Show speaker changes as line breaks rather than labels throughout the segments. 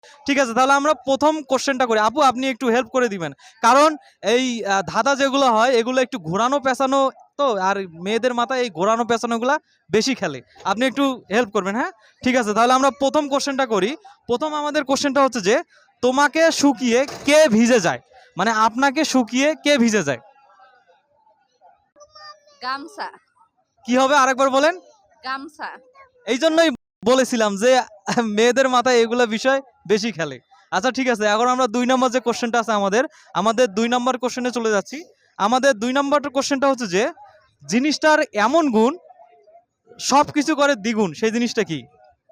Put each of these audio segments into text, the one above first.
ঠিক আছে, তাহলে আমরা প্রথম কোশ্চেনটা করি। আপু আপনি একটু হেল্প করে দিবেন, কারণ এই ধাঁধা যেগুলো হয় এগুলো একটু ঘোরানো পেঁচানো, তো আর মেয়েদের মাথায় এই ঘোরানো পেঁচানোগুলা বেশি খেলে। আপনি একটু হেল্প করবেন, হ্যাঁ? ঠিক আছে, তাহলে আমরা প্রথম কোশ্চেনটা করি। প্রথম আমাদের কোশ্চেনটা হচ্ছে যে তোমাকে শুকিয়ে কে ভিজে যায়, মানে আপনাকে শুকিয়ে কে ভিজে যায়?
গামছা।
কি হবে আরেকবার বলেন।
গামছা।
এই জন্যই বলেছিলাম যে মেয়েদের মাথায় এগুলা বিষয় বেশি খেলে। আচ্ছা ঠিক আছে, এখন আমরা 2 নম্বর যে কোশ্চেনটা আছে আমাদের 2 নম্বর কোশ্চেনে চলে যাচ্ছি। আমাদের 2 নম্বর কোশ্চেনটা হচ্ছে যে জিনিসটার এমন গুণ সবকিছু করে দ্বিগুণ, সেই জিনিসটা কি?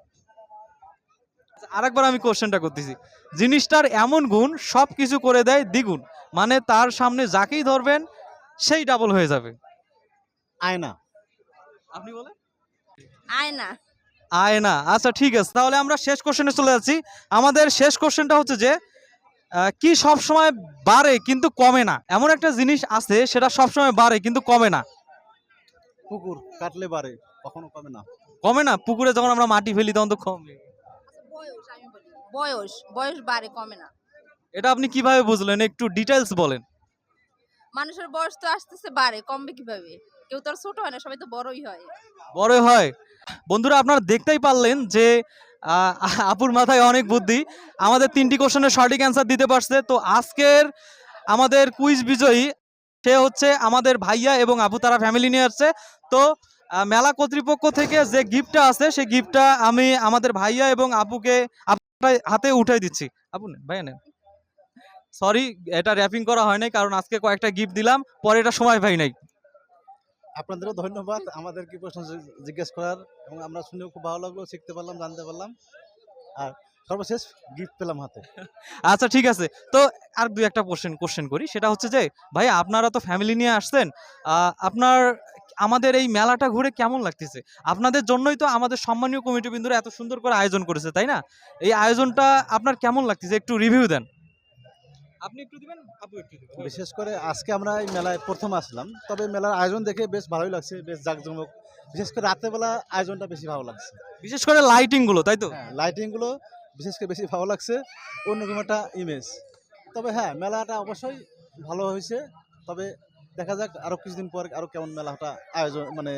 আরেকবার আমি কোশ্চেনটা করতেছি। জিনিসটার এমন গুণ সবকিছু করে দেয় দ্বিগুণ, মানে তার সামনে যাকেই ধরবেন সেই ডাবল হয়ে যাবে।
আয়না।
আপনি বলেন।
আয়না।
আয়না। আচ্ছা ঠিক আছে, তাহলে আমরা শেষ কোশ্চেনে চলে যাচ্ছি। আমাদের শেষ কোশ্চেনটা হচ্ছে যে কি সব সময় বাড়ে কিন্তু কমে না, এমন একটা জিনিস আছে সেটা সব সময় বাড়ে কিন্তু কমে না।
পুকুর কাটলে বাড়ে, কখনো কমে না।
কমে না? পুকুরে যখন আমরা মাটি ফেলি তখন তো কমে।
বয়স আমি বলি। বয়স বয়স বাড়ে কমে না।
এটা আপনি কিভাবে বুঝলেন, একটু ডিটেইলস বলেন।
মানুষের বয়স তো আসতেছে বাড়ে, কমবে কিভাবে? কেউ তো আর ছোট হয় না, সবাই তো বড়ই হয়।
বড় হয়। বন্ধুরা আপনারা দেখতেই পারলেন যে আহ, আপুর মাথায় অনেক বুদ্ধি। আমাদের 3টি কোশ্চেনের সঠিক অ্যান্সার দিতে পারছে। তো আজকের আমাদের কুইজ বিজয়ী সে হচ্ছে আমাদের ভাইয়া এবং আপু, তারা ফ্যামিলি নিয়ে আসছে। তো মেলা কর্তৃপক্ষ থেকে যে গিফটটা আছে সেই গিফটটা আমি আমাদের ভাইয়া এবং আপুকে আপনার হাতে উঠাই দিচ্ছি। আপু নেন, ভাইয়া নেন। সরি, এটা র্যাপিং করা হয় নাই, কারণ আজকে কয়েকটা গিফট দিলাম, পরে এটা সময় পাই নাই।
আপনাদেরও ধন্যবাদ আমাদের কি প্রশ্ন জিজ্ঞেস করার, এবং আমরা শুনেও খুব ভালো লাগলো, শিখতে পারলাম, জানতে পারলাম, আর সর্বশেষ গিফট পেলাম হাতে।
আচ্ছা ঠিক আছে, তো আর 2-1টা কোশ্চেন করি। সেটা হচ্ছে যে ভাই আপনারা তো ফ্যামিলি নিয়ে আসছেন, আপনার আমাদের এই মেলাটা ঘুরে কেমন লাগতেছে? আপনাদের জন্যই তো আমাদের সম্মানীয় কমিটি বিন্দুরা এত সুন্দর করে আয়োজন করেছে, তাই না? এই আয়োজনটা আপনার কেমন লাগতেছে একটু রিভিউ দেন। আপনি একটু দিবেন, আপু একটু দিবেন।
বিশেষ করে আজকে আমরা এই মেলায় প্রথম আসলাম, তবে মেলার আয়োজন দেখে বেশ ভালোই লাগছে, বেশ জাঁকজমক। বিশেষ করে রাতেরবেলা আয়োজনটা বেশি ভালো লাগছে।
বিশেষ করে লাইটিং গুলো, তাই তো?
হ্যাঁ, লাইটিংগুলো বিশেষ করে বেশি ভালো লাগছে, অন্যরকম একটা ইমেজ। তবে হ্যাঁ, মেলাটা অবশ্যই ভালো হয়েছে। তবে দেখা যাক আরো কিছুদিন পর আরো কেমন মেলাটা আয়োজন, মানে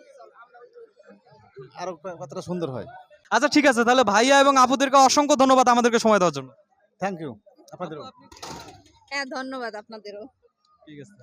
আরো কতটা সুন্দর হয়।
আচ্ছা ঠিক আছে, তাহলে ভাইয়া এবং আপুদেরকে অসংখ্য ধন্যবাদ আমাদেরকে সময় দেওয়ার জন্য।
থ্যাংক ইউ আপনাদেরও।
হ্যাঁ, ধন্যবাদ আপনাদেরও।
ঠিক আছে।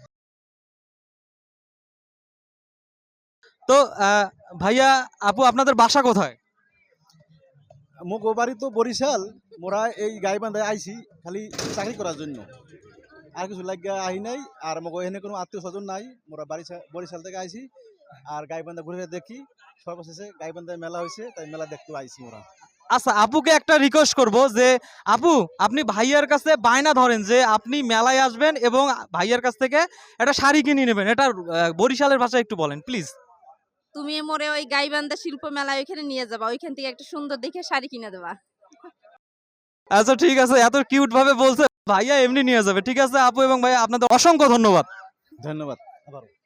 তো ভাইয়া আপু আপনাদের বাসা কোথায়?
মুখ বাড়ি তো বরিশাল, মোরা এই গাইবান্ধায় আইছি খালি চাকরি করার জন্য, আর কিছু লাগিয়া আহি নাই। আর মগ এখানে কোনো আত্মীয় স্বজন নাই, মোরা বরিশাল থেকে আইছি, আর গাইবান্ধা ঘুরে দেখি। সর্বশেষে গাইবান্ধায় মেলা হয়েছে, তাই মেলা দেখতে আইছি মোরা।
আচ্ছা আপুকে একটা রিকোয়েস্ট করব যে আপু আপনি ভাইয়ার কাছে বায়না ধরেন যে আপনি মেলায় আসবেন এবং ভাইয়ার কাছ থেকে একটা শাড়ি কিনে নেবেন। এটা বরিশালের ভাষায় একটু বলেন প্লিজ।
তুমি মোরে ওই গাইবান্ধা শিল্প মেলায় ওইখানে নিয়ে যাবা, ওইখান থেকে একটা সুন্দর দেখে শাড়ি কিনে দেবা।
আচ্ছা ঠিক আছে, এত কিউট ভাবে বলছে, ভাইয়া এমনি নিয়ে যাবে। ঠিক আছে আপু এবং ভাইয়া আপনাদের অসংখ্য ধন্যবাদ।
ধন্যবাদ আবার।